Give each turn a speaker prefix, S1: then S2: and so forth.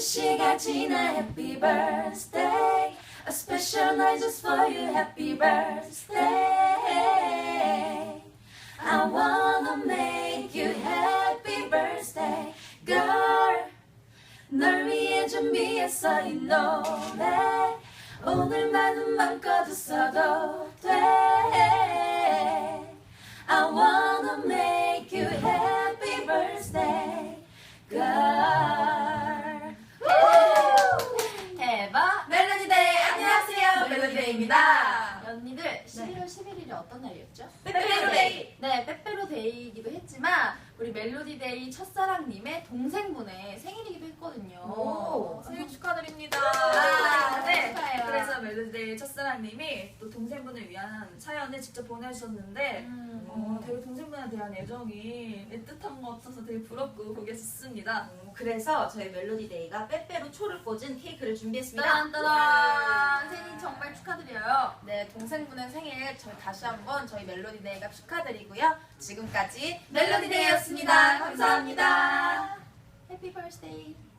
S1: 시간 지나 happy birthday. A special night just for you, happy birthday. I wanna make you happy birthday, girl. 널 위해 준비했어 이 노래. 오늘만은 맘껏 웃어도 돼. I wanna make you happy birthday, girl.
S2: 대박!
S1: 멜로디데이 안녕하세요, 멜로디데이입니다.
S2: 언니들 11월 11일이 어떤 날이었죠?
S1: 빼빼로데이.
S2: 네, 빼빼로데이이기도 했지만 우리 멜로디데이 첫사랑님의 동생분의 생일이기도 했거든요.
S1: 오, 생일 축하드립니다.
S2: 네, 축하해요.
S1: 그래서 멜로디데이 첫사랑님이 또 동생분을 위한 사연을 직접 보내주셨는데 되게 동생분에 대한 애정이 애틋한 것 같아서 되게 부럽고 보기 좋습니다.
S3: 그래서 저희 멜로디데이가 빼빼로 초를 꽂은 케이크를 준비했습니다.
S2: 따란따란! 생일 정말 축하드려요. 네, 동생분의 생일 저희 다시 한번 저희 멜로디데이가 축하드리고요. 지금까지 멜로디데이였습니다. 감사합니다. 해피 버스데이.